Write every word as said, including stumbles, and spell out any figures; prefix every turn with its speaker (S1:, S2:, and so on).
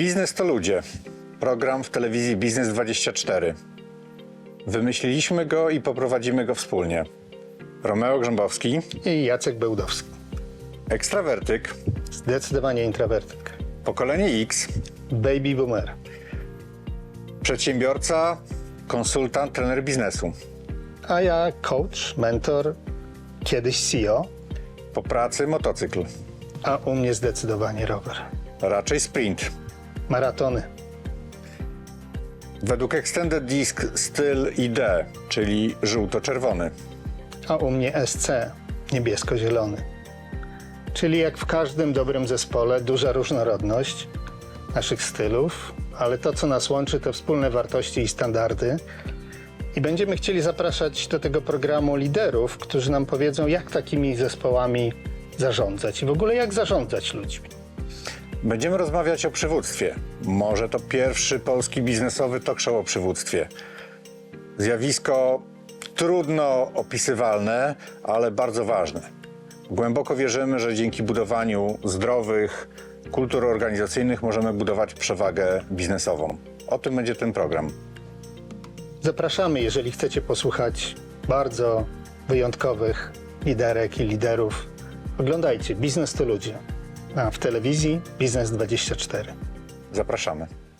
S1: Biznes to ludzie. Program w telewizji Biznes dwadzieścia cztery. Wymyśliliśmy go i poprowadzimy go wspólnie. Romeo Grzębowski,
S2: I Jacek Bełdowski.
S1: ekstrawertyk,
S2: Zdecydowanie introwertyk.
S1: pokolenie X,
S2: Baby boomer.
S1: przedsiębiorca, konsultant, trener biznesu.
S2: A ja coach, mentor, kiedyś C E O,
S1: Po pracy motocykl,
S2: a u mnie zdecydowanie rower.
S1: raczej sprint.
S2: Maratony.
S1: Według Extended Disc styl I D, czyli żółto-czerwony.
S2: A u mnie S C, niebiesko-zielony. Czyli jak w każdym dobrym zespole, duża różnorodność naszych stylów, ale to, co nas łączy, to wspólne wartości i standardy. I będziemy chcieli zapraszać do tego programu liderów, którzy nam powiedzą, jak takimi zespołami zarządzać i w ogóle jak zarządzać ludźmi.
S1: Będziemy rozmawiać o przywództwie. Może to pierwszy polski biznesowy talk show o przywództwie. Zjawisko trudno opisywalne, ale bardzo ważne. Głęboko wierzymy, że dzięki budowaniu zdrowych kultur organizacyjnych możemy budować przewagę biznesową. O tym będzie ten program.
S2: Zapraszamy, jeżeli chcecie posłuchać bardzo wyjątkowych liderek i liderów. Oglądajcie Biznes to ludzie, a w telewizji Biznes dwadzieścia cztery.
S1: Zapraszamy.